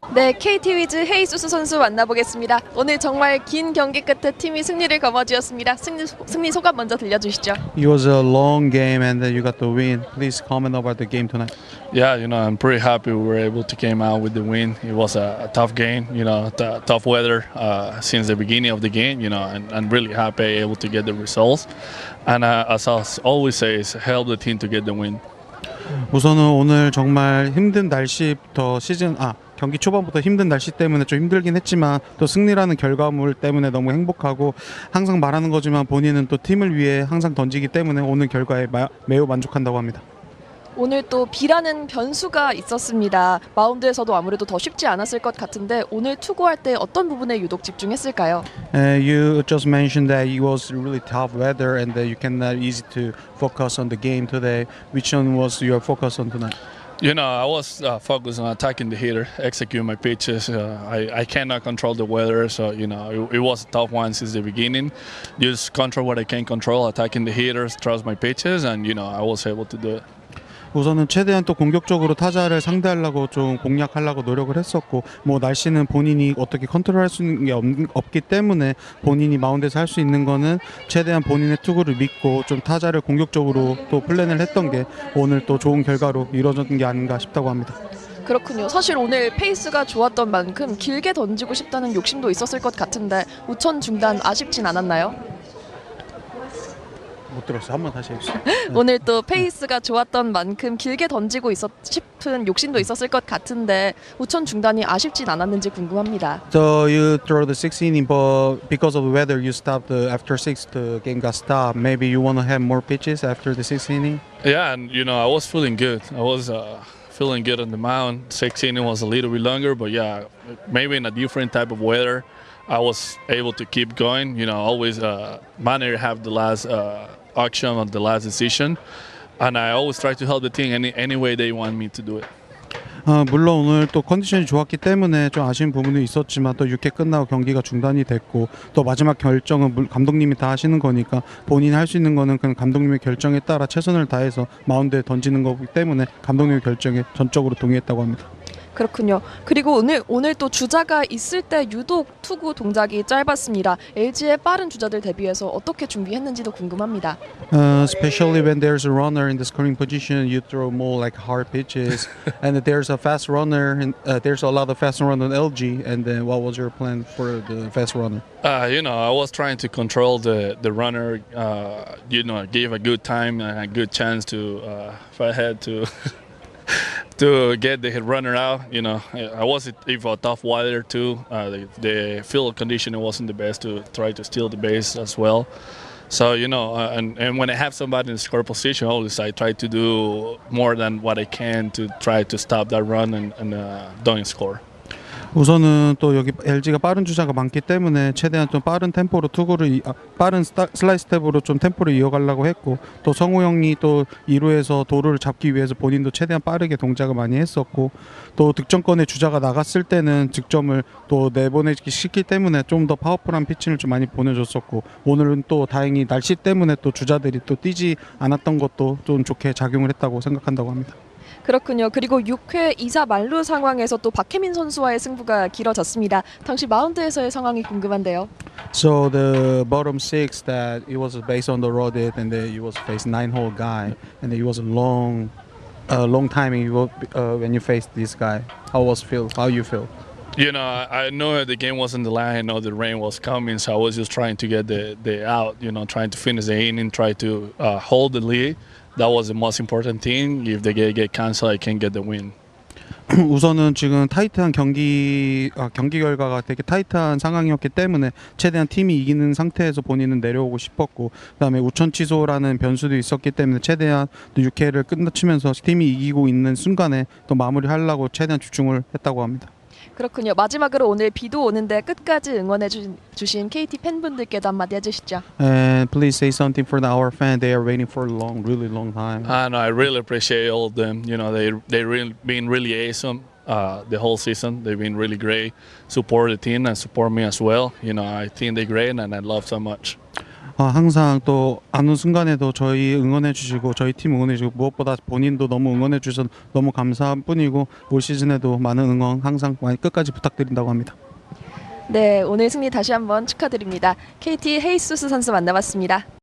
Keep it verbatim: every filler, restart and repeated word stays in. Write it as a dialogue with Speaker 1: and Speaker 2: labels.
Speaker 1: 네, 케이티 위즈 헤이수스 선수 만나보겠습니다. 오늘 정말 긴 경기 끝에 팀이 승리를 거머쥐었습니다. 승리, 승리 소감 먼저 들려주시죠.
Speaker 2: It was a long game and then you got the win. Please comment about the game tonight.
Speaker 3: Yeah, you know, I'm pretty happy we were able to came out with the win. It was a, a tough game, you know, t- tough weather uh, since the beginning of the game, you know, and I'm really happy able to get the results. And uh, as I always say, is help the team to get the win.
Speaker 2: 우선은 오늘 정말 힘든 날씨부터 시즌 아 경기 초반부터 힘든 날씨 때문에 좀 힘들긴 했지만 또 승리라는 결과물 때문에 너무 행복하고 항상 말하는 거지만 본인은 또 팀을 위해 항상 던지기 때문에 오늘 결과에 마, 매우 만족한다고 합니다.
Speaker 1: 오늘 또 비라는 변수가 있었습니다. 마운드에서도 아무래도 더 쉽지 않았을 것 같은데 오늘 투구할 때 어떤 부분에 유독 집중했을까요?
Speaker 2: Uh, you just mentioned that it was really tough weather and that you cannot easy to focus on the game today. Which one was your focus on tonight?
Speaker 3: You know, I was uh, focused on attacking the hitter, execute my pitches. Uh, I, I cannot control the weather, so, you know, it, it was a tough one since the beginning. Just control what I can control, attacking the hitters, trust my pitches, and, you know, I was able to do it.
Speaker 2: 우선은 최대한 또 공격적으로 타자를 상대하려고 좀 공략하려고 노력을 했었고 뭐 날씨는 본인이 어떻게 컨트롤할 수 있는 게 없, 없기 때문에 본인이 마운드에서 할 수 있는 거는 최대한 본인의 투구를 믿고 좀 타자를 공격적으로 또 플랜을 했던 게 오늘 또 좋은 결과로 이루어진 게 아닌가 싶다고 합니다.
Speaker 1: 그렇군요. 사실 오늘 페이스가 좋았던 만큼 길게 던지고 싶다는 욕심도 있었을 것 같은데 우천 중단 아쉽진 않았나요?
Speaker 2: 못 들었어요. 한번 다시 해주세요.
Speaker 1: 오늘 또 페이스가 좋았던 만큼 길게 던지고 있었 싶은 욕심도 있었을 것 같은데 우천 중단이 아쉽진 않았는지 궁금합니다.
Speaker 2: So you throw the sixth inning, but because of the weather, you stopped the after six. The game got stopped. Maybe you want to have more pitches after the sixth inning.
Speaker 3: Yeah, and, you know, I was feeling good. I was uh, feeling good on the mound. Six inning was a little bit longer, but, yeah, maybe in a different type of weather, I was able to keep going. You know, always uh, manager have the last uh, action on the last decision, and I always try to help the team any any way they want me to do it.
Speaker 2: 어, 물론 오늘 또 컨디션이 좋았기 때문에 좀 아쉬운 부분도 있었지만 또 육 회 끝나고 경기가 중단이 됐고 또 마지막 결정은 물- 감독님이 다 하시는 거니까 본인이 할 수 있는 거는 그냥 감독님의 결정에 따라 최선을 다해서 마운드에 던지는 거기 때문에 감독님의 결정에 전적으로 동의했다고 합니다.
Speaker 1: 그렇군요. 그리고 오늘 오늘 또 주자가 있을 때 유독 투구 동작이 짧았습니다. 엘지의 빠른 주자들 대비해서 어떻게 준비했는지도 궁금합니다.
Speaker 2: Uh, especially when there's a runner in the scoring position, you throw more like hard pitches, and there's a fast runner, and uh, there's a lot of fast runner on L G. And then, what was your plan for the fast runner?
Speaker 3: Uh, you know, I was trying to control the the runner. Uh, you know, give a good time and a good chance to uh, if I had to. to get the runner out, you know, I was if a tough weather too. Uh, the, the field condition wasn't the best to try to steal the base as well. So you know, uh, and and when I have somebody in the score position, always I try to do more than what I can to try to stop that run and, and uh, don't score.
Speaker 2: 우선은 또 여기 엘지가 빠른 주자가 많기 때문에 최대한 좀 빠른 템포로 투구를 이, 아, 빠른 스타, 슬라이스 탭으로 좀 템포를 이어가려고 했고 또 성우 형이 또 이 루에서 도루를 잡기 위해서 본인도 최대한 빠르게 동작을 많이 했었고 또 득점권에 주자가 나갔을 때는 득점을 또 내보내기 쉽기 때문에 좀 더 파워풀한 피칭을 좀 많이 보내줬었고 오늘은 또 다행히 날씨 때문에 또 주자들이 또 뛰지 않았던 것도 좀 좋게 작용을 했다고 생각한다고 합니다.
Speaker 1: 그렇군요. 그리고 육 회 이 사 만루 상황에서 또 박혜민 선수와의 승부가 길어졌습니다. 당시 마운드에서의 상황이 궁금한데요.
Speaker 2: So the bottom six that it was based on the road it and then it was faced nine hole guy and it was a long, uh, long timing you, uh, when you faced this guy. How was feel? How you feel?
Speaker 3: You know, I, I know the game wasn't the line. I know the rain was coming, so I was just trying to get the, the out. You know, trying to finish the inning, try to uh, hold the lead. That was the most important thing. If the game get canceled, I can get the win.
Speaker 2: 우선은 지금 타이트한 경기 아, 경기 결과가 되게 타이트한 상황이었기 때문에 최대한 팀이 이기는 상태에서 본인은 내려오고 싶었고 그다음에 우천 취소라는 변수도 있었기 때문에 최대한 또 육 회를 끝마치면서 팀이 이기고 있는 순간에 또 마무리하려고 최대한 집중을 했다고 합니다.
Speaker 1: 그렇군요. 마지막으로 오늘 비도 오는데 끝까지 응원해 주, 주신 케이티 팬분들께도 한마디 해주시죠.
Speaker 2: And please say something for our fan. They are waiting for a long, really long time.
Speaker 3: And I really appreciate all of them. You know, they they really been really awesome uh, the whole season. They've been really great. Support the team and support me as well. You know, I think they're great and I love so much.
Speaker 2: 아, 항상 또 아는 순간에도 저희 응원해 주시고 저희 팀 응원해 주시고 무엇보다 본인도 너무 응원해 주셔서 너무 감사한 뿐이고 올 시즌에도 많은 응원 항상 많이 끝까지 부탁드린다고 합니다.
Speaker 1: 네, 오늘 승리 다시 한번 축하드립니다. 케이티 헤이수스 선수 만나봤습니다.